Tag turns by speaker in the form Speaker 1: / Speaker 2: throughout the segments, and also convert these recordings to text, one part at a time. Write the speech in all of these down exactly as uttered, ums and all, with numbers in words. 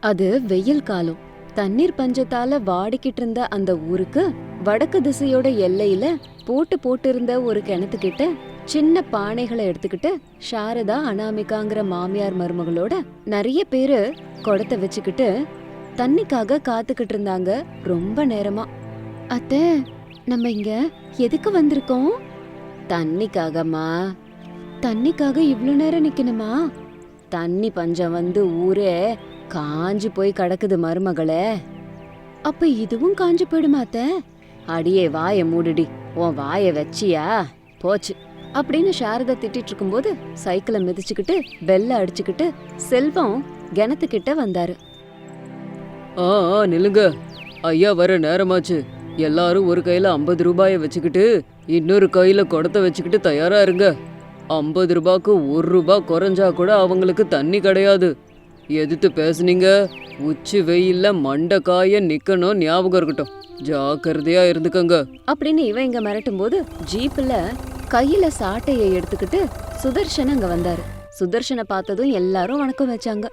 Speaker 1: அது வெயில் காலம். தண்ணீர் பஞ்சத்தால வாடிக்கிட்டு இருந்த அந்த ஊருக்கு வடக்கு திசையோட எல்லையில போட்டு போட்டு இருந்த ஒரு கிணத்துக்கிட்ட சின்ன பானைகளை எடுத்துக்கிட்டு சாரதா அனாமிகாங்கிற மாமியார் மருமகளோட நிறைய பேரு குடத்தை வச்சுக்கிட்டு தண்ணிக்காக காத்துக்கிட்டு இருந்தாங்க ரொம்ப நேரமா. அத்தை, நம்ம இங்க எதுக்கு வந்திருக்கோம்? தண்ணிக்காகம்மா. தண்ணிக்காக இவ்ளோ நேரம் நிக்கணுமா? தண்ணி பஞ்சம் வந்து ஊரே காஞ்சு போய் கிடக்குது மருமகளே. அப்ப இதுவும் காஞ்சு போயிடுமா அத்தை? அடியே வாய மூடுடி, உன் வாய வச்சியா போச்சு அப்படின்னு சாரதா திட்டிட்டு இருக்கும்போது சைக்கிளை மிதிச்சுக்கிட்டு பெல்ல அடிச்சுக்கிட்டு செல்வம் கிணத்துக்கிட்ட வந்தாரு.
Speaker 2: ஆ ஆ நில்லுங்க, ஐயா வர நேரமாச்சு. எல்லாரும் ஒரு கையில ஐம்பது ரூபாய வச்சுக்கிட்டு இன்னொரு கையில குடத்தை வச்சுக்கிட்டு தயாரா இருங்க. ஐம்பது ரூபாய்க்கு ஒரு ரூபாய் குறைஞ்சா கூட அவங்களுக்கு தண்ணி கிடையாது. எதிர்த்து பேசுனீங்க, உச்சி வெயில்ல மண்டை காய நிக்கணும், ஞாபகம் இருக்கட்டும். ஜாக்கிரதையா இருந்துக்கங்க
Speaker 1: அப்படின்னு இவன் இங்க மிரட்டும் போது ஜீப்ல கையில சாட்டையை எடுத்துக்கிட்டு சுதர்ஷன் அங்க வந்தாரு. சுதர்ஷனை பார்த்ததும் எல்லாரும் வணக்கம் வச்சாங்க.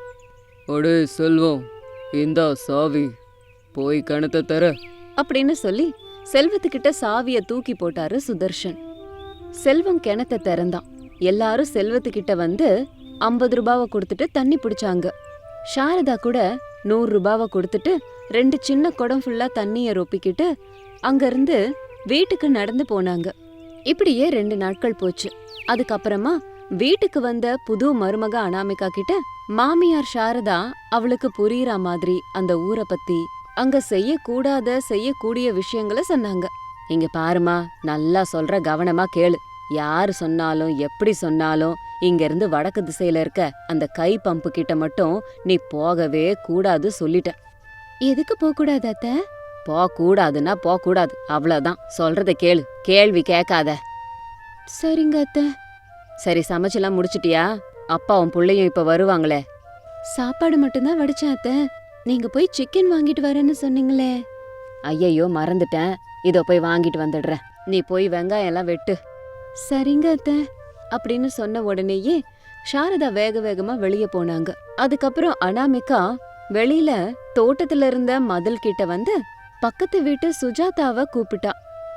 Speaker 2: அடே செல்வம், இந்தா சாவி, போய் கணத்தை தர
Speaker 1: அப்படின்னு சொல்லி செல்வத்துக்கிட்ட சாவிய தூக்கி போட்டாரு சுதர்ஷன். செல்வம் கிணத்தை திறந்தான். எல்லாரும் செல்வத்துக்கிட்ட வந்து ஐம்பது ரூபாவை கொடுத்துட்டு தண்ணி பிடிச்சாங்க. சாரதா கூட நூறு ரூபாவை கொடுத்துட்டு ரெண்டு சின்ன குடம் ஃபுல்லா தண்ணிய ரொப்பிக்கிட்டு அங்கிருந்து வீட்டுக்கு நடந்து போனாங்க. இப்படியே ரெண்டு நாட்கள் போச்சு. அதுக்கப்புறமா வீட்டுக்கு வந்த புது மருமக அனாமிகா கிட்ட மாமியார் சாரதா அவளுக்கு புரியுற மாதிரி அந்த ஊரை பத்தி, அங்க செய்யக்கூடாத செய்யக்கூடிய விஷயங்களை சொன்னாங்க. இங்க பாருமா, நல்லா சொல்ற, கவனமா கேளு. யாரு சொன்னாலும் எப்படி சொன்னாலும் இங்க இருந்து வடக்கு திசையில இருக்க அந்த கை பம்பு கிட்ட மட்டும் நீ போகவே கூடாது சொல்லிட்ட. எதுக்கு போக கூடாது அத்த? போக கூடாதுன்னா போக கூடாது, அவ்வளவுதான். சொல்றத கேளு, கேள்வி கேட்காத. சரிங்க அத்த. சரி, சமைச்செல்லாம் முடிச்சிட்டியா? அப்பாவும் புள்ளையும் இப்ப வருவாங்களே. சாப்பாடு மட்டும்தான் வடிச்சேன் அத்த. நீங்க போய் சிக்கன் வாங்கிட்டு வரேன்னு சொன்னீங்களே. ஐயையோ, மறந்துட்டேன். இதோ போய் வாங்கிட்டு வந்துடுறேன். நீ போய் வெங்காயம் எல்லாம் வெட்டு. சரிங்க அத்த அப்படின்னு சொன்ன உடனேயே சாரதா வேக வேகமா வெளியே போனாங்க. அதுக்கப்புறம் அனாமிகா வெளியில தோட்டத்துல இருந்த மதில் கிட்ட வந்து பக்கத்து வீட்டு சுஜாதாவை கூப்பிட்டா.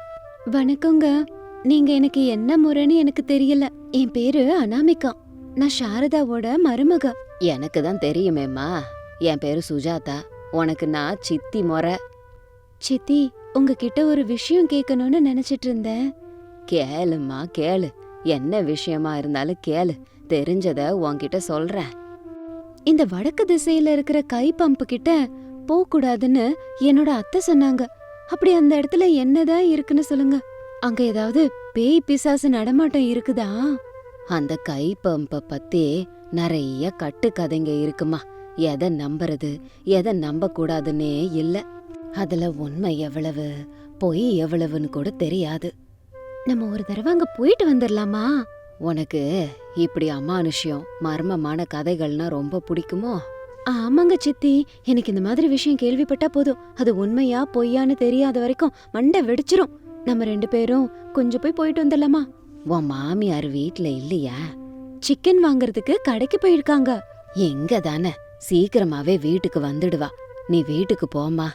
Speaker 1: வணக்கங்க, நீங்க எனக்கு என்ன முறைன்னு எனக்கு தெரியல. என் பேரு அனாமிகா, நான் சாரதாவோட மருமக. எனக்கு தான் தெரியுமேம்மா, என் பேரு சுஜாதா. உனக்கு நான் சித்தி முறை. சித்தி, உங்ககிட்ட ஒரு விஷயம் கேட்கணும்னு நினைச்சிட்டு இருந்தேன். கேளும்மா கேளு, என்ன விஷயமா இருந்தாலும் கேளு, தெரிஞ்சத உன்கிட்ட சொல்றேன். இந்த வடக்கு திசையில இருக்கிற கை பம்பு கிட்ட போக கூடாதுன்னு என்னோட அத்தை சொன்னாங்க. அப்படி அந்த இடத்துல என்னதான் இருக்குன்னு சொல்லுங்க. அங்க ஏதாவது பேய் பிசாசு நடமாட்டம் இருக்குதா? அந்த கை பம்ப பத்தி நிறைய கட்டு கதைங்க இருக்குமா. எதை நம்புறது எதை நம்ப கூடாதுன்னே இல்ல. அதுல உண்மை எவ்வளவு பொய் எவ்வளவுன்னு கூட தெரியாது. நம்ம ஒரு தடவை அங்க போயிட்டு வந்துடலாமா? உனக்கு இப்படி அமானுஷ்யம் மர்மமான கதைகள்னா ரொம்ப பிடிக்குமோ? ஆமாங்க சித்தி, எனக்கு இந்த மாதிரி விஷயம் கேள்விப்பட்டா போதும், அது உண்மையா பொய்யான்னு தெரியாத வரைக்கும் மண்டை வெடிச்சிரும். நம்ம ரெண்டு பேரும் கொஞ்சம் போய் போயிட்டு வந்துடலாமா? உன் மாமியார் வீட்ல இல்லையா? சிக்கன் வாங்குறதுக்கு கடைக்கு போயிருக்காங்க. எங்க தானே, சீக்கிரமாவே வீட்டுக்கு வந்துடுவா. நீ வீட்டுக்கு போமா.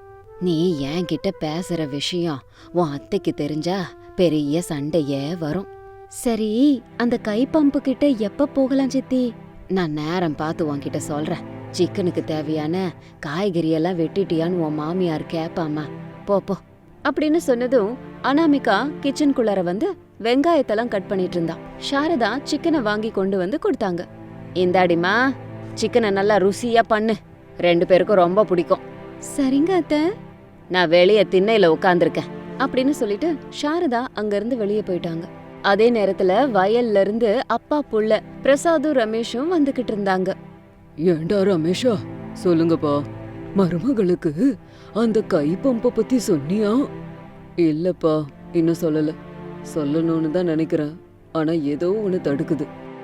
Speaker 1: நீ என் கிட்ட பேசுற விஷயம் உன் அத்தைக்கு தெரிஞ்சா பெரிய சண்டையே வரும். சரி, அந்த கை பம்பு கிட்ட எப்ப போகலாம் சித்தி? நான் நேரம் பார்த்து உன்கிட்ட சொல்றேன். சிக்கனுக்கு தேவையான காய்கறி எல்லாம் வெட்டிட்டியான்னு உன் மாமியார் கேப்பாமா. போ போ அப்படின்னு சொன்னதும் அனாமிகா கிச்சனுக்குள்ளார வந்து வெங்காயத்தெல்லாம் கட் பண்ணிட்டு இருந்தா. சாரதா சிக்கனை வாங்கி கொண்டு வந்து கொடுத்தாங்க. இந்தாடிமா, சிக்கனை நல்லா ருசியா பண்ணு, ரெண்டு பேருக்கும் ரொம்ப பிடிக்கும். சரிங்க அத்தை. நான் வெளியே திண்ணையில உட்கார்ந்துருக்கேன் அப்படின்னு சொல்லிட்டு சாரதா அங்க இருந்து வெளியே போயிட்டாங்க. அதே நேரத்துல வயல்ல இருந்து அப்பா புள்ள பிரசாதும் ரமேஷும் வந்துகிட்டு இருந்தாங்க.
Speaker 2: ஏண்டா ரமேஷா, சொல்லுங்கப்பா, மருமகளுக்கு அந்த கை பம்ப பத்தி சொன்னியா? இல்லப்பா, இன்னும் சொல்லல. சொல்லணும்னு தான் நினைக்கிறேன், ஆனா ஏதோ ஒண்ணு தடுக்குது.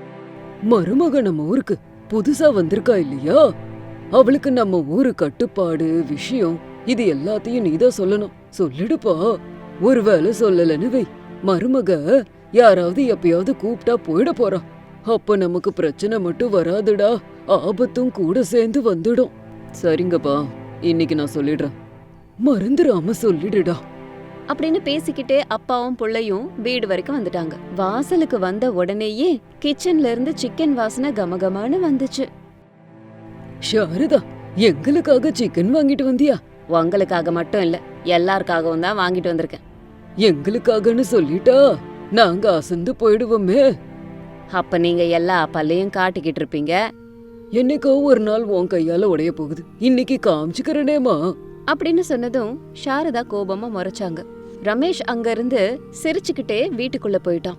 Speaker 2: மருமக நம்ம ஊருக்கு புதுசா வந்திருக்கா இல்லையா? அவளுக்கு நம்ம ஊரு கட்டுப்பாடு விஷயம் இது எல்லாத்தையும் நீதான் சொல்லணும். சொல்லிடுப்பா. ஒருவேளை சொல்லலன்னு வை, மருமக யாராவது எப்பயாவது கூப்பிட்டா போயிட போறா. அப்ப நமக்கு பிரச்சனை மட்டும் வராதுடா, ஆபத்தும் கூட சேர்ந்து வந்துடும். சரிங்கப்பா, இன்னைக்கு நான் சொல்லிடுறேன். மறந்துடாம சொல்லிடுடா.
Speaker 1: அப்படின்னு பேசிக்கிட்டே அப்பாவும் புள்ளையும் வீடு வரைக்கும் வந்துட்டாங்க. வாசலுக்கு வந்த உடனேயே கிச்சன்ல இருந்து சிக்கன் வாசனை கமகமான்னு வந்துச்சு.
Speaker 2: சாரதா, எங்களுக்காக சிக்கன் வாங்கிட்டு வந்தியா?
Speaker 1: உங்களுக்காக மட்டும் இல்ல, எல்லாருக்காகவும் தான் வாங்கிட்டு வந்திருக்கேன்.
Speaker 2: எங்களுக்காகன்னு சொல்லிட்டா நாங்க அசந்து போயிடுவோமே.
Speaker 1: அப்ப நீங்க எல்லா பல்லையும் காட்டிக்கிட்டு இருப்பீங்க.
Speaker 2: என்னைக்கோ ஒரு நாள் உன் கையால உடைய போகுது, இன்னைக்கு காமிச்சுக்கிறனேமா
Speaker 1: அப்படின்னு சொன்னதும் சாரதா கோபமா முறைச்சாங்க. ரமேஷ் அங்க இருந்து சிரிச்சுக்கிட்டே வீட்டுக்குள்ள போயிட்டான்.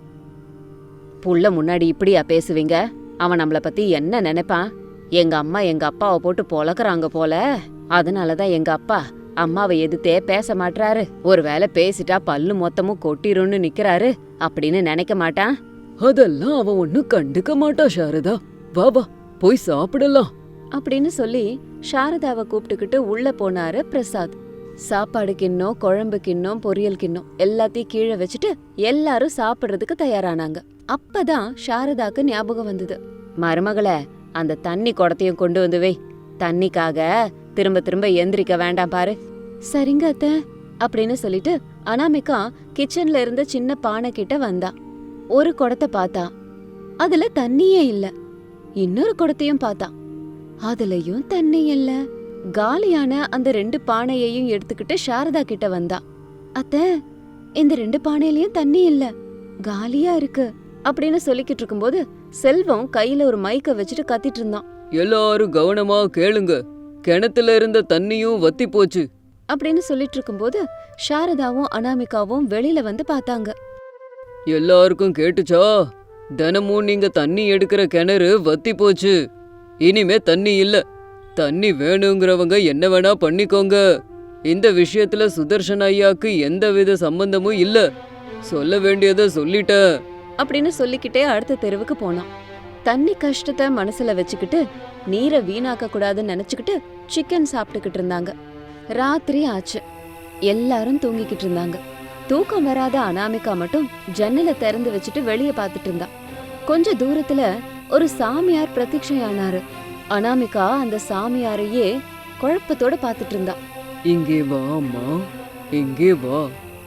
Speaker 1: புள்ள முன்னாடி இப்படியா பேசுவீங்க? அவன் நம்மள பத்தி என்ன நினைப்பான்? எங்க அம்மா எங்க அப்பாவை போட்டு பொழக்கறாங்க போல, அதனாலதான் எங்க அப்பா அம்மாவை எதிர்த்தே பேச மாட்டாரு. ஒருவேளை பேசிட்டா பல்லு மொத்தமும் கொட்டிரும்னு நிக்கிறாரு அப்படின்னு நினைக்க மாட்டான்.
Speaker 2: அதெல்லாம் அவன் ஒன்னும் கண்டுக்க மாட்டா சாரதா. வா வா, போய் சாப்பிடலாம்
Speaker 1: அப்படின்னு சொல்லி சாரதாவை கூப்பிட்டுக்கிட்டு உள்ள போனாரு பிரசாத். சாப்பாடு கிண்ணம், குழம்பு கிண்ணம், பொரியல் கிண்ணம் எல்லாத்தையும் கீழே வச்சுட்டு எல்லாரும் சாப்பிடுறதுக்கு தயாரானாங்க. அப்பதான் சாரதாக்கு ஞாபகம் வந்தது. மருமகளே, அந்த தண்ணி குடத்தையும் கொண்டு வந்து வை. தண்ணிக்காக திரும்ப திரும்ப எந்திரிக்க வேண்டாம் பாரு. சரிங்க அத்தை அப்படின்னு சொல்லிட்டு அனாமிகா கிச்சன்ல இருந்த சின்ன பானை கிட்ட வந்தா. ஒரு குடத்தை பார்த்தா, அதுல தண்ணியே இல்ல. இன்னொரு குடத்தையும் பார்த்தா, அதுலயும் தண்ணி இல்ல. காலியான அந்த ரெண்டு பானையையும் எடுத்துக்கிட்டு சாரதா கிட்ட வந்தா. அத்தை, இந்த ரெண்டு பானையிலயும் தண்ணி இல்ல, காலியா இருக்கு அப்படின்னு சொல்லிக்கிட்டு இருக்கும்போது செல்வம் கையில ஒரு மைக்க வச்சுட்டு கத்திட்டு இருந்தான்.
Speaker 2: எல்லாரும் கவனமா கேளுங்க, கிணத்துல இருந்த தண்ணியும் வத்தி போச்சு
Speaker 1: அப்படின்னு சொல்லிட்டு இருக்கும்போது சாரதாவும் அனாமிகாவும் வெளியில வந்து பார்த்தாங்க.
Speaker 2: எல்லாருக்கும் கேட்டுச்சா? தினமும் நீங்க தண்ணி எடுக்கிற கிணறு வத்தி போச்சு, இனிமே தண்ணி இல்ல. தண்ணி வேணுங்கிறவங்க என்ன வேணா பண்ணிக்கோங்க. இந்த விஷயத்துல சுதர்ஷன் ஐயாக்கு எந்த வித சம்பந்தமும் இல்ல. சொல்ல வேண்டியதை சொல்லிட்டேன்
Speaker 1: அப்படின்னு சொல்லிக்கிட்டே அடுத்த தெருவுக்கு போனான். தண்ணி கஷ்டத்தை மனசுல வச்சுக்கிட்டு நீரை வீணாக்க கூடாதுன்னு நினைச்சுக்கிட்டு சிக்கன் சாப்பிட்டுக்கிட்டு இருந்தாங்க. ராத்திரி ஆச்சு. எல்லாரும் தூங்கிக்கிட்டு இருந்தாங்க. தூக்கம் வராத அனாமிகா மட்டும் ஜன்னலை திறந்து வச்சுட்டு வெளியே பார்த்துட்டு இருந்தா. கொஞ்ச தூரத்துல ஒரு சாமியார் பிரத்யட்சையானாரு. அனாமிகா அந்த சாமியாரையே குழப்பத்தோட பார்த்துட்டு இருந்தா.
Speaker 2: இங்கே வா அம்மா, இங்கே வா.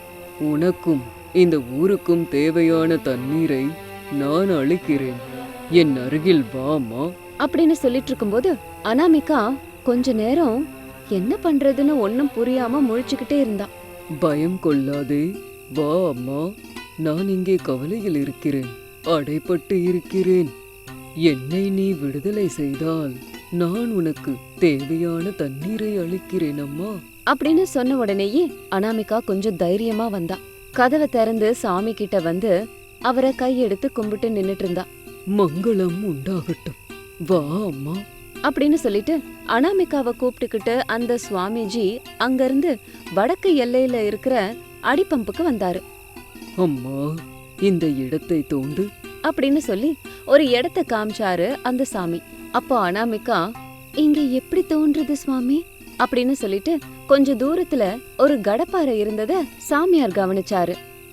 Speaker 2: உனக்கும் இந்த ஊருக்கும் தேவையான தண்ணீரை நான் அளிக்கிறேன். என் அருகில் வா அம்மா
Speaker 1: அப்படின்னு சொல்லிட்டு இருக்கும்போது அனாமிகா கொஞ்ச நேரம் என்ன பண்றதுன்னு ஒன்னும் புரியாம முழிச்சுக்கிட்டே இருந்தா.
Speaker 2: பயம் கொள்ளாதே, வா அம்மா. நான் இங்கே கவலையில் இருக்கிறேன், அடைப்பட்டு இருக்கிறேன். என்னை நீ விடுதலை செய்தால் நான் உனக்கு தேவையான தண்ணீரை அளிக்கிறேன் அம்மா
Speaker 1: அப்படின்னு சொன்ன உடனேயே அனாமிகா கொஞ்சம் தைரியமா வந்தா. கதவை திறந்து சாமி கிட்ட வந்து அவரை கையெடுத்து கும்பிட்டு நின்னுட்டு இருந்தா.
Speaker 2: மங்களம் உண்டாகட்டும், வா அம்மா
Speaker 1: அப்படின்னு சொல்லிட்டு அனாமிகாவை கூப்பிட்டுக்கிட்டு அந்த சுவாமிஜி அங்கிருந்து வடக்கு எல்லையில இருக்கிற அடிப்பம்புக்கு வந்தாரு.
Speaker 2: அம்மா, இந்த இடத்தை தோண்டு
Speaker 1: அப்படின்னு சொல்லி ஒரு இடத்த காமிச்சாரு அந்த சாமி. அப்போ அனாமிகா, இங்க எப்படி தோன்றது சுவாமி அப்படின்னு சொல்லிட்டு கொஞ்ச தூரத்துல ஒரு கடப்பாறை இருந்தத சாமியார் கவனிச்சாரு.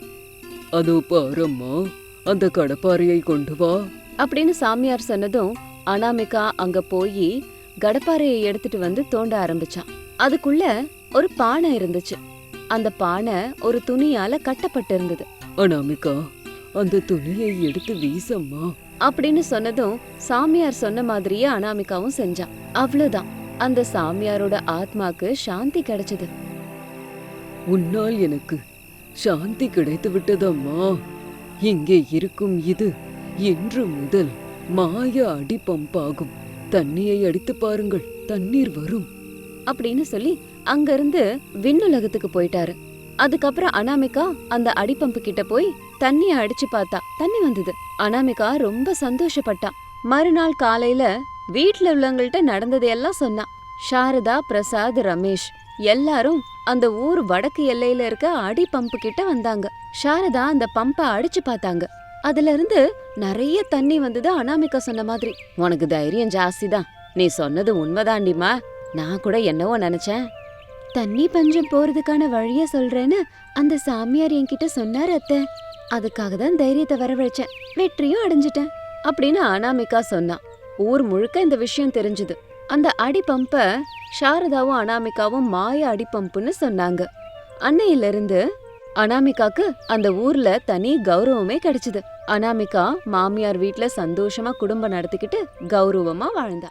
Speaker 2: அதோ பாரம்மா, அந்த கடப்பாறையை கொண்டு வா
Speaker 1: அப்படின்னு சாமியார் சொன்னதும் அனாமிகா அங்க போய் கடப்பாறையை எடுத்துட்டு வந்து தோண்ட ஆரம்பிச்சான். அதுக்குள்ள ஒரு பானை இருந்துச்சு. அந்த பானை ஒரு துணியால கட்டப்பட்டு இருந்தது.
Speaker 2: அனாமிகா, அந்த துணியை எடுத்து வீசம்மா
Speaker 1: அப்படின்னு சொன்னதும் சாமியார் சொன்ன மாதிரியே அனாமிகாவும் செஞ்சான். அவ்வளவுதான், அந்த சாமியாரோட ஆத்மாக்கு சாந்தி கிடைச்சது.
Speaker 2: உன்னால் எனக்கு சாந்தி கிடைத்து விட்டதம்மா. இங்கே இருக்கும் இது இன்று முதல் மாய அடிப்பம்பாகும். தண்ணியை அடித்து பாருங்கள், தண்ணீர் வரும்
Speaker 1: அப்படின்னு சொல்லி அங்கிருந்து விண்ணுலகத்துக்கு போயிட்டாரு. அதுக்கப்புறம் அனாமிகா அந்த அடிப்பம்பு கிட்ட போய் தண்ணிய அடிச்சு பார்த்தா தண்ணி வந்தது. அனாமிகா ரொம்ப சந்தோஷப்பட்டா. மறுநாள் காலையில வீட்டுல உள்ளவங்கள்ட்ட நடந்ததையெல்லாம் சொன்னா. சாரதா, பிரசாத், ரமேஷ் எல்லாரும் அந்த ஊர் வடக்கு எல்லையில இருக்க அடி பம்பு கிட்ட வந்தாங்க. சாரதா அந்த பம்பை அடிச்சு பார்த்தாங்க. அதுல இருந்து நிறைய தண்ணி வந்தது. அனாமிகா சொன்ன மாதிரி. உனக்கு தைரியம் ஜாஸ்தி தான், நீ சொன்னது உண்மைதாண்டிமா. நான் கூட என்னவோ நினைச்சேன். தண்ணி பஞ்சம் போறதுக்கான வழிய சொல்றேன்னு அந்த சாமியார் என்கிட்ட சொன்னார் அத்தை. அதுக்காக தான் தைரியத்தை வரவழைச்சேன், வெற்றியும் அடைஞ்சிட்டேன் அப்படின்னு அனாமிகா சொன்னா. ஊர் முழுக்க இந்த விஷயம் தெரிஞ்சது. அந்த அடி பம்ப சாரதாவும் அனாமிகாவும் மாய அடி பம்புன்னு சொன்னாங்க. அன்னையில இருந்து அனாமிகாக்கு அந்த ஊர்ல தனி கௌரவமே கிடைச்சது. அனாமிகா மாமியார் வீட்ல சந்தோஷமா குடும்பம் நடத்திக்கிட்டு கௌரவமா வாழ்ந்தா.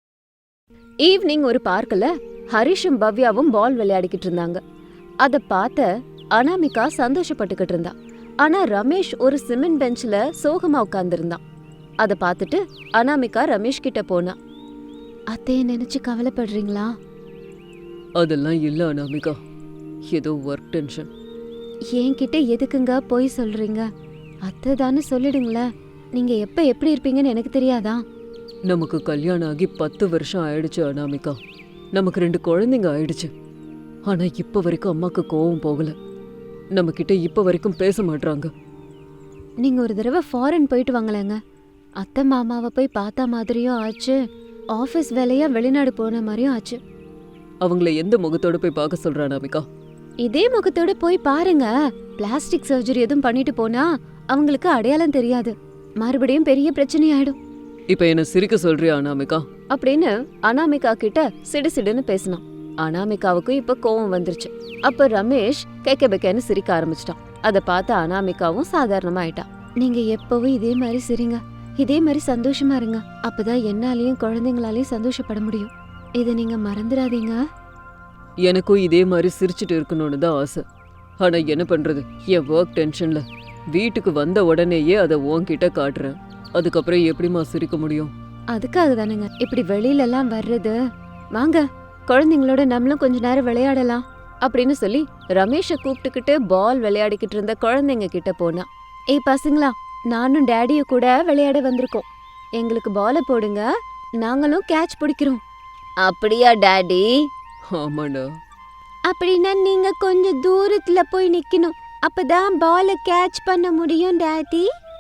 Speaker 1: ஈவினிங் ஒரு பார்க்ல ஹரிஷும் பவ்யாவும் பால் விளையாடிக்கிட்டு இருந்தாங்க. அத பார்த்த அனாமிகா சந்தோஷப்பட்டுக்கிட்டு இருந்தா. ஆனா ரமேஷ் ஒரு சிமெண்ட் பெஞ்ச்ல சோகமா உட்கார்ந்திருந்தான். அத பார்த்துட்டு அனாமிகா ரமேஷ் கிட்ட போனா. அத்தைய நினைச்சு கவலைப்படுறீங்களா?
Speaker 2: அதெல்லாம் இல்ல அனாமிகா, ஏதோ ஒர்க் டென்ஷன்.
Speaker 1: என்கிட்ட எதுக்குங்க போய் சொல்றீங்க? அத்தை தானே சொல்லிடுங்களேன். நீங்க எப்ப எப்படி இருப்பீங்கன்னு எனக்கு தெரியாதா?
Speaker 2: நமக்கு கல்யாணம் ஆகி பத்து வருஷம் ஆயிடுச்சு அனாமிகா. நமக்கு ரெண்டு குழந்தைங்க ஆயிடுச்சு. ஆனா இப்ப வரைக்கும் அம்மாக்கு கோவம் போகல. நம்ம கிட்ட இப்ப வரைக்கும் பேச மாட்டாங்க.
Speaker 1: நீங்க ஒரு தடவை ஃபாரின் போயிட்டு வாங்களேங்க. அத்தை மாமாவை போய் பார்த்தா மாதிரியும் ஆச்சு, ஆஃபீஸ் வேலையா வெளிநாடு போன மாதிரியும் ஆச்சு.
Speaker 2: அவங்கள எந்த முகத்தோட போய் பார்க்க சொல்ற அனாமிகா?
Speaker 1: இதே முகத்தோட போய் பாருங்க. பிளாஸ்டிக் சர்ஜரி எதுவும் பண்ணிட்டு போனா அவங்களுக்கு அடையாளம் தெரியாது, மறுபடியும் பெரிய பிரச்சனை ஆயிடும்.
Speaker 2: இப்ப என்ன சிரிக்க சொல்றியா அனாமிகா?
Speaker 1: அப்படின்னு அனாமிகா கிட்ட சிடு சிடுன்னு பேசினான். அனாமிகாவுக்கு இப்ப கோவம் வந்துருச்சு. அப்ப ரமேஷ் கேக்க பெக்கன்னு சிரிக்க ஆரம்பிச்சிட்டான். அத பார்த்து அனாமிகாவும் சாதாரணமா ஆயிட்டா. நீங்க எப்பவும் இதே மாதிரி சிரிங்க, இதே மாதிரி சந்தோஷமா இருங்க. அப்பதான் என்னாலையும் குழந்தைங்களாலையும் சந்தோஷப்பட முடியும். இத நீங்க மறந்துடாதீங்க.
Speaker 2: எனக்கும் இதே மாதிரி சிரிச்சுட்டு இருக்கணும்னு தான் ஆசை. ஆனா என்ன பண்றது, என் ஒர்க் டென்ஷன்ல வீட்டுக்கு வந்த உடனேயே அதை உன்கிட்ட காட்டுறேன். அதுக்கப்புறம் எப்படிமா சிரிக்க முடியும்?
Speaker 1: அதுக்காக தானுங்க இப்படி வெளியில எல்லாம் வர்றது. வாங்க குழந்தைங்களோட நம்மளும் கொஞ்ச நேரம் விளையாடலாம் அப்படின்னு சொல்லி ரமேஷ கூப்பிட்டுக்கிட்டு பால் விளையாடிக்கிட்டு இருந்த குழந்தைங்க கிட்ட போனா. ஏய் பசங்களா, நானும் டேடிய கூட விளையாட வந்திருக்கோம். எங்களுக்கு பால போடுங்க, நாங்களும் கேட்ச் பிடிக்கிறோம். அப்படியா டாடி?
Speaker 2: ஆமாடா.
Speaker 1: அப்படின்னா நீங்க கொஞ்சம் தூரத்துல போய் நிக்கணும், அப்பதான் பால கேட்ச் பண்ண முடியும் டாடி.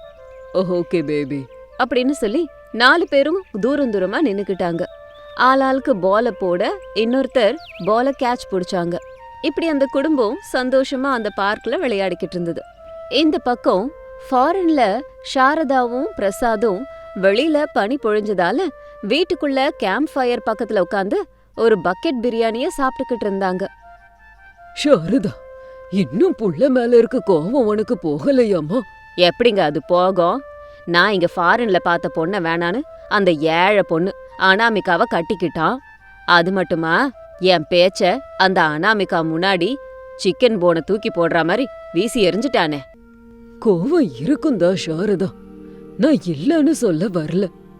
Speaker 2: ஓகே பேபி
Speaker 1: அப்படின்னு சொல்லி நாலு பேரும் தூரம் தூரமா நின்னுக்கிட்டாங்க. ஆளாளுக்கு பால போட இன்னொருத்தர் பால கேட்ச் பிடிச்சாங்க. இப்படி அந்த குடும்பம் சந்தோஷமா அந்த பார்க்ல விளையாடிக்கிட்டு இருந்தது. இந்த பக்கம் ஃபாரின்ல சாரதாவும் பிரசாதும் வெளியில பனி பொழிஞ்சதால வீட்டுக்குள்ள கேம்ப் ஃபயர் பக்கத்துல உட்காந்து ஒரு பக்கெட் பிரியாணிய சாப்பிட்டுக்கிட்டு இருந்தாங்க.
Speaker 2: சாரதா, இன்னும் புள்ள மேல இருக்க கோவம் உனக்கு போகலையாமா?
Speaker 1: எப்படிங்க அது போகும்? நான் இங்க ஃபாரின்ல பார்த்த பொண்ண வேணான்னு அந்த ஏழை பொண்ணு அனாமிகாவை கட்டிக்கிட்டான். அது மட்டுமா, என் பேச்ச அந்த அனாமிகா முன்னாடி சிக்கன் போனை தூக்கி போடுற மாதிரி வீசி எரிஞ்சிட்டானே.
Speaker 2: கோவம் இருக்குந்தா சாரதா, நான் இல்லன்னு சொல்ல வரல.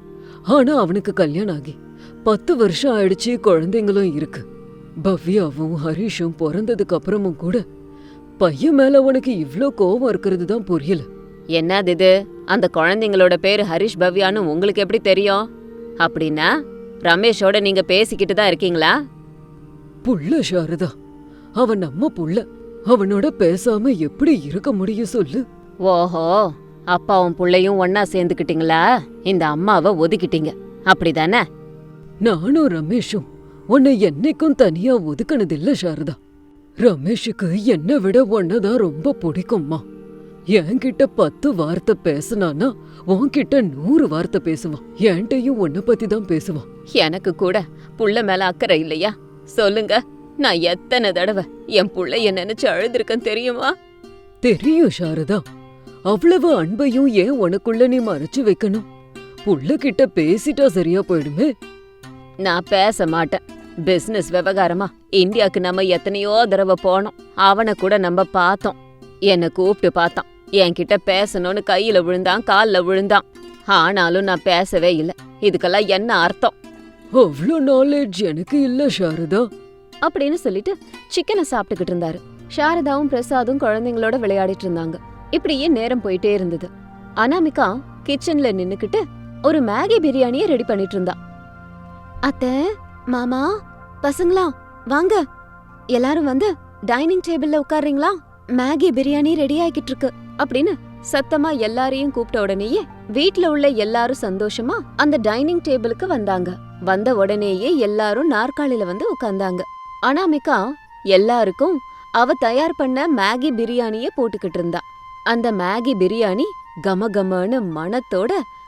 Speaker 2: ஆனா அவனுக்கு கல்யாணம் ஆகி பத்து வருஷம் ஆயிடுச்சு, குழந்தைங்களும் இருக்கு. பவ்யாவும் ஹரிஷும் பிறந்ததுக்கு அப்புறமும் கூட பையன் மேல உனக்கு இவ்ளோ கோவம் இருக்கிறது தான் புரியல.
Speaker 1: என்னது இது? அந்த குழந்தைங்களோட பேரு ஹரிஷ் பவ்யான்னு உங்களுக்கு எப்படி தெரியும்? அப்படின்னா ரமேஷோட நீங்க பேசிக்கிட்டு தான் இருக்கீங்களா?
Speaker 2: புள்ள சாரதா, அவன் நம்ம புள்ள. அவனோட பேசாம எப்படி இருக்க முடியும் சொல்லு?
Speaker 1: ஓஹோ, அப்பாவும் புள்ளையும் ஒன்னா சேர்ந்துக்கிட்டீங்களா? இந்த அம்மாவை ஒதுக்கிட்டீங்க அப்படிதானே?
Speaker 2: நானும் ரமேஷும் உன்னை என்னைக்கும் தனியா ஒதுக்கினதில்ல சாரதா. ரமேஷுக்கு என்னை விட உன்னதான் ரொம்ப பிடிக்கும்மா. என்கிட்ட பத்து வார்த்தை பேசினானா உன்கிட்ட நூறு வார்த்தை பேசுவான். என்கிட்டயும் உன்னை பத்தி தான் பேசுவான்.
Speaker 1: எனக்கு கூட புள்ள மேல அக்கறை இல்லையா? சொல்லுங்க, நான் எத்தனை தடவை என் புள்ளைய நினைச்சு அழுதுருக்கேன் தெரியுமா?
Speaker 2: தெரியும் சாரதா. அவ்வளவு அன்பையும் ஏன் உனக்குள்ள நீ மறைச்சு வைக்கணும்? புள்ள கிட்ட பேசிட்டா சரியா போயிடுமே.
Speaker 1: நான் பேச மாட்டேன். பிசினஸ் விவகாரமா இந்தியாக்கு நம்ம எத்தனையோ தடவை போனோம். அவனை கூட நம்ம பார்த்தோம். என்னை கூப்பிட்டு பார்த்தான், என்கிட்ட பேசணும்னு கையில விழுந்தான், கால்ல விழுந்தான். ஆனாலும் நான் பேசவே இல்லை. இதுக்கெல்லாம் என்ன அர்த்தம்?
Speaker 2: அவ்வளோ நாலேஜ் எனக்கு இல்ல சாரதா
Speaker 1: அப்படின்னு சொல்லிட்டு சிக்கனை சாப்பிட்டுக்கிட்டு இருந்தாரு. சாரதாவும் பிரசாதும் குழந்தைங்களோட விளையாடிட்டு இருந்தாங்க. இப்படியே நேரம் போயிட்டே இருந்தது. அனாமிகா கிச்சன்ல நின்னுக்கிட்டு ஒரு மேகி பிரியாணிய ரெடி பண்ணிட்டு இருந்தா. அத்தை, மாமா, பசங்களா வாங்க, எல்லாரும் வந்து டைனிங் டேபிள்ல உட்கார்றீங்களா? மேகி பிரியாணி ரெடி ஆகிட்டு இருக்கு அப்படின்னு சத்தமா எல்லாரையும் கூப்பிட்ட உடனேயே வீட்ல உள்ள எல்லாரும் சந்தோஷமா அந்த டைனிங் டேபிளுக்கு வந்தாங்க. வந்த உடனேயே எல்லாரும் நாற்காலில வந்து உட்கார்ந்தாங்க. அனாமிகா எல்லாருக்கும் அவ தயார் பண்ண மேகி பிரியாணிய போட்டுக்கிட்டு இருந்தா. அந்த மேகி பிரியாணி கம கமன்னு மணத்தோட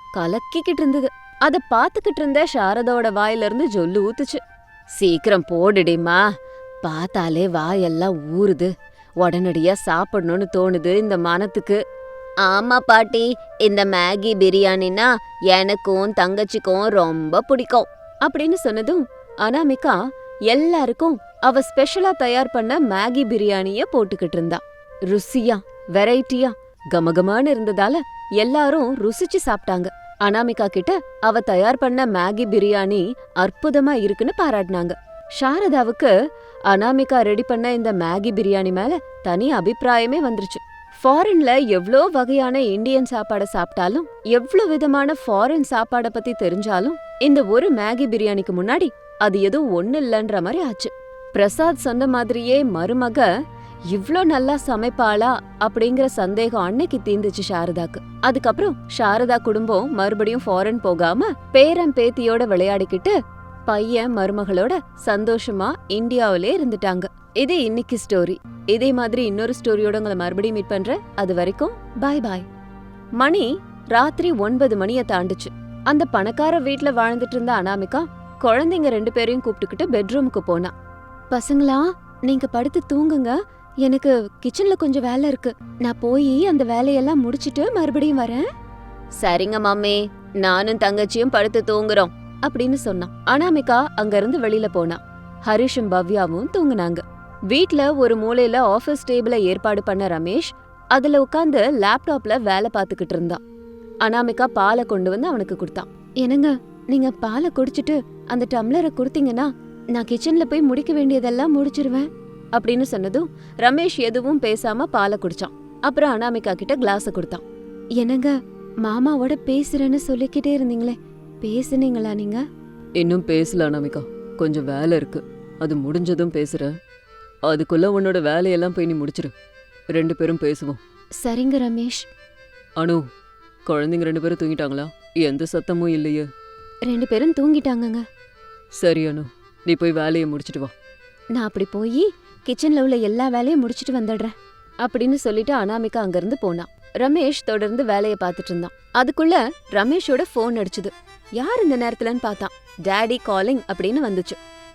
Speaker 1: கலக்கிக்கிட்டு இருந்தது. அத பாத்துக்கிட்டு இருந்த சாரதாவோட வாயில இருந்து ஜொல்லு ஊத்துச்சு. சீக்கிரம் போடுடிமா, பார்த்தாலே வாயெல்லாம் ஊறுது, உடனடியா சாப்பிடணும்னு தோணுது இந்த மனத்துக்கு. ஆமா பாட்டி, இந்த மேகி பிரியாணினா எனக்கும் தங்கச்சிக்கும் ரொம்ப பிடிக்கும் அப்படின்னு சொன்னதும் அனாமிகா எல்லாருக்கும் அவ ஸ்பெஷலா தயார் பண்ண மேகி பிரியாணிய போட்டுக்கிட்டு இருந்தா. ருசியா வெரைட்டியா கமகமான்னு இருந்ததால எல்லாரும் ருசிச்சு சாப்பிட்டாங்க. அனாமிகா கிட்ட அவ தயார் பண்ண மேகி பிரியாணி அற்புதமா இருக்குன்னு பாராட்டினாங்க. சாரதாவுக்கு அனாமிகா ரெடி பண்ண இந்த மேகி பிரியாணி மேல தனி அபிப்பிராயமே வந்துருச்சு. ஃபாரின்ல எவ்ளோ வகையான இந்தியன் சாப்பாட சாப்பிட்டாலும், எவ்ளோ விதமான ஃபாரின் சாப்பாட பத்தி தெரிஞ்சாலும், இந்த ஒரு மேகி பிரியாணிக்கு முன்னாடி அது எதுவும் ஒண்ணு இல்லன்ற மாதிரி ஆச்சு. பிரசாத் சொன்ன மாதிரியே மருமக இவ்ளோ நல்லா சமைப்பாளா அப்படிங்கிற சந்தேகம் அன்னைக்கு தீந்துச்சு சாரதாக்கு. அதுக்கப்புறம் சாரதா குடும்பம் மறுபடியும் ஃபாரின் போகாம பேரன் பேத்தியோட விளையாடிக்கிட்டு பையன் மருமகளோட சந்தோஷமா இந்தியாவிலே இருந்துட்டாங்க. இது இன்னைக்கு ஸ்டோரி. இதே மாதிரி இன்னொரு ஸ்டோரியோட உங்களை மறுபடியும் மீட் பண்றேன். அது வரைக்கும் பாய் பாய். மணி ராத்திரி ஒன்பது மணிய தாண்டுச்சு. அந்த பணக்கார வீட்ல வாழ்ந்துட்டு இருந்த அனாமிகா குழந்தைங்க ரெண்டு பேரையும் கூப்பிட்டுக்கிட்டு பெட்ரூமுக்கு போனா. பசங்களா, நீங்க படுத்து தூங்குங்க, எனக்கு கிச்சன்ல கொஞ்சம் வேலை இருக்கு, நான் போய் அந்த வேலையெல்லாம் முடிச்சிட்டு மறுபடியும் வரேன். சரிங்க மம்மி, நானும் தங்கச்சியும் படுத்து தூங்குறோம் அப்படின்னு சொன்னான். அனாமிகா அங்க இருந்து வெளியில போனா. ஹரிஷும் பவ்யாவும் தூங்குனாங்க. வீட்ல ஒரு மூலையில ஆபீஸ் டேபிள ஏற்பாடு பண்ண ரமேஷ் அதுல உட்கார்ந்து லேப்டாப்ல வேலை பார்த்துக்கிட்டு இருந்தான். அனாமிகா பாலை கொண்டு வந்து அவனுக்கு கொடுத்தான். என்னங்க, நீங்க பாலை குடிச்சிட்டு அந்த டம்ளரை கொடுத்தீங்கன்னா நான் கிச்சன்ல போய் முடிக்க வேண்டியதெல்லாம் முடிச்சிருவேன் அப்படின்னு சொன்னதும் ரமேஷ் எதுவும் பேசாம பாலை குடிச்சான். அப்புறம் அனாமிகா கிட்ட கிளாஸ கொடுத்தான். என்னங்க, மாமாவோட பேசுறேன்னு சொல்லிக்கிட்டே இருந்தீங்களே, பேசுனீங்களா நீங்க?
Speaker 2: இன்னும் பேசல அனாமிகா, கொஞ்சம் வேலை இருக்கு, அது முடிஞ்சதும் பேசுறேன். அதுக்குள்ள உன்னோட வேலையெல்லாம் போய் நீ முடிச்சிரு, ரெண்டு பேரும் பேசுவோம்.
Speaker 1: சரிங்க ரமேஷ்.
Speaker 2: அனு, குழந்தைங்க ரெண்டு பேரும் தூங்கிட்டாங்களா? எந்த சத்தமும் இல்லையே.
Speaker 1: ரெண்டு பேரும் தூங்கிட்டாங்கங்க.
Speaker 2: சரி அனு, நீ போய் வேலையை முடிச்சிட்டு வா.
Speaker 1: நான் அப்படி போய் கிச்சன்ல உள்ள எல்லா வேலையும் முடிச்சிட்டு வந்துடுறேன் அப்படின்னு சொல்லிட்டு அனாமிகா அங்கிருந்து போனான். ரமேஷ் தொடர்ந்து வேலையை பார்த்துட்டு இருந்தான். அதுக்குள்ள ரமேஷோட போன் அடிச்சுது. யார் இந்த நேரத்துலன்னு பார்த்தான். டாடி காலிங் அப்படின்னு வந்துச்சு.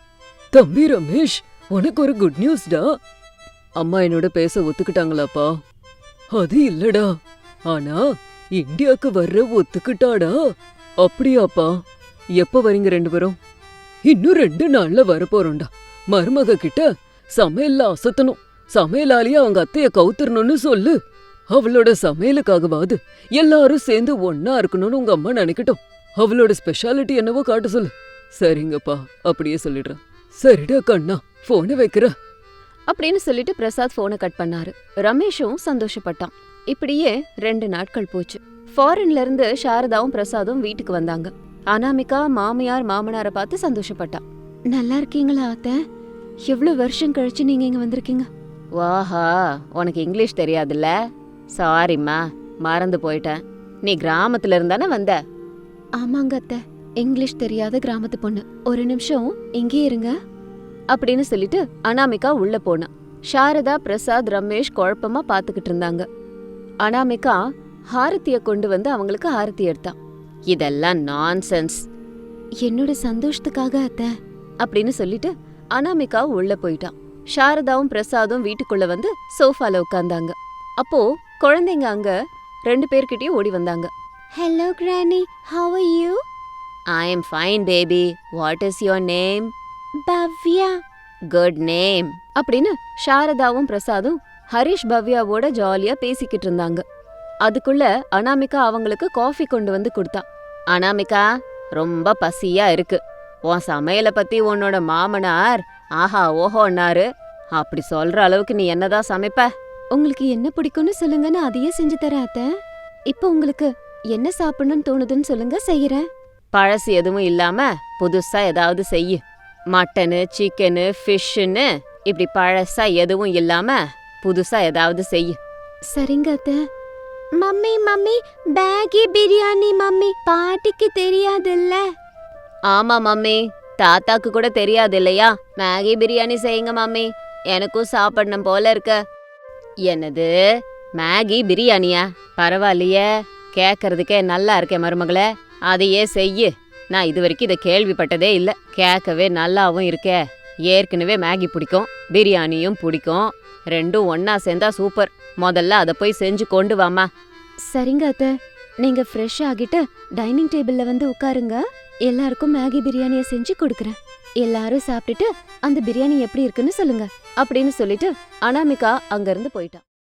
Speaker 2: தம்பி ரமேஷ், உனக்கு ஒரு குட் நியூஸ்டா. அம்மா என்னோட பேச ஒத்துக்கிட்டாங்களாப்பா? அது இல்லடா, ஆனா இந்தியாக்கு வர்ற ஒத்துக்கிட்டாடா. அப்படியாப்பா? எப்ப வரீங்க ரெண்டு பேரும்? இன்னும் ரெண்டு நாள்ல வரப்போறோம்டா. மருமக கிட்ட சமையல்ல அசத்தணும், சமையலாலேயே அவங்க அத்தைய கவுத்துறணும்னு சொல்லு. அவளோட சமையலுக்காகவாது எல்லாரும் சேர்ந்து ஒன்னா இருக்கணும்னு உங்க அம்மா நினைக்கட்டும். அவளோட ஸ்பெஷாலிட்டி என்னவோ காட்ட சொல்லு. சரிங்கப்பா, அப்படியே சொல்லிடுறேன். சரிடா கண்ணா, போனை வைக்கிற
Speaker 1: அப்படின்னு சொல்லிட்டு பிரசாத் போனை கட் பண்ணாரு. ரமேஷும் சந்தோஷப்பட்டான். இப்படியே ரெண்டு நாட்கள் போச்சு. ஃபாரின்ல இருந்து சாரதாவும் பிரசாதும் வீட்டுக்கு வந்தாங்க. அனாமிகா மாமியார் மாமனார பார்த்து சந்தோஷப்பட்டா. நல்லா இருக்கீங்களா அத்தை? எவ்வளவு வருஷம் கழிச்சு நீங்க இங்க வந்திருக்கீங்க. வாஹா, உனக்கு இங்கிலீஷ் தெரியாதுல்ல? சாரிம்மா, மறந்து போயிட்டேன். நீ கிராமத்துல இருந்தானே வந்த? ஆமாங்க அத்தை, இங்கிலீஷ் தெரியாத கிராமத்து பொண்ணு. ஒரு நிமிஷம் இங்கே இருங்க அப்படின்னு சொல்லிட்டு அனாமிகா உள்ள போனா. சாரதா பிரசாத் ரமேஷ் குழப்பமா பாத்துக்கிட்டு இருந்தாங்க. அனாமிகா ஹாரத்திய கொண்டு வந்து அவங்களுக்கு ஹாரத்தி எடுத்தான். இதெல்லாம் நான்சென்ஸ். என்னோட சந்தோஷத்துக்காக அத்தை அப்படின்னு சொல்லிட்டு அனாமிகா உள்ள போயிட்டான். சாரதாவும் பிரசாதும் வீட்டுக்குள்ள வந்து சோஃபால உட்கார்ந்தாங்க. அப்போ குழந்தைங்க அங்க ரெண்டு பேர்கிட்டயும் ஓடி வந்தாங்க. Hello granny, how are you? I am fine baby. What is your name? Bhavya. Good name. அப்படின்னு சாரதாவும் பிரசாதும் ஹரிஷ் பவ்யாவோட ஜாலியா பேசிக்கிட்டு இருந்தாங்க. அதுக்குள்ள அனாமிகா அவங்களுக்கு காஃபி கொண்டு வந்து கொடுத்தா. அனாமிகா, ரொம்ப பசியா இருக்கு. உன் சமையலை பத்தி உன்னோட மாமனார் ஆஹா ஓஹோன்னாரு. அப்படி சொல்ற அளவுக்கு நீ என்னதான் சமைப்ப? உங்களுக்கு என்ன பிடிக்கும்னு சொல்லுங்க, நான் அதையே செஞ்சு தரேன் அத்தை. இப்போ உங்களுக்கு என்ன சாப்பிடணும்னு தோணுதுன்னு சொல்லுங்க, செய்யறேன். பழசு எதுவும் இல்லாம புதுசா ஏதாவது செய்யு. மட்டனு, சிக்கனு, ஃபிஷ்ஷுன்னு இப்படி பழசா எதுவும் இல்லாம புதுசா ஏதாவது செய்யு. சரிங்க அத்தை. Mummy mummy, Maggi biryani mummy, பாட்டிக்கு தெரியாதுல்ல? ஆமா மம்மி, தாத்தாக்கு கூட தெரியாது இல்லையா? மேகி பிரியாணி செய்யுங்க மம்மி, எனக்கும் சாப்பிடணும் போல இருக்க. என்னது மேகி பிரியாணியா? பரவாயில்லையே, கேட்கறதுக்கே நல்லா இருக்கே மருமகளே, அதையே செய்யு. நான் இது வரைக்கும் இதை கேள்விப்பட்டதே இல்ல. கேட்கவே நல்லாவும் இருக்கே. ஏற்கனவே மேகி பிடிக்கும், பிரியாணியும் பிடிக்கும். ரெண்டும் ஒன்னா சேர்ந்தா சூப்பர். முதல்ல அதை போய் செஞ்சு கொண்டு வாமா. சரிங்க அத்தை, நீங்க ஃப்ரெஷ் ஆகிட்டு டைனிங் டேபிள்ல வந்து உட்காருங்க. எல்லாருக்கும் மேகி பிரியாணியை செஞ்சு கொடுக்குறேன். எல்லாரும் சாப்பிட்டுட்டு அந்த பிரியாணி எப்படி இருக்குன்னு சொல்லுங்க அப்படின்னு சொல்லிட்டு அனாமிகா அங்கிருந்து போயிட்டா.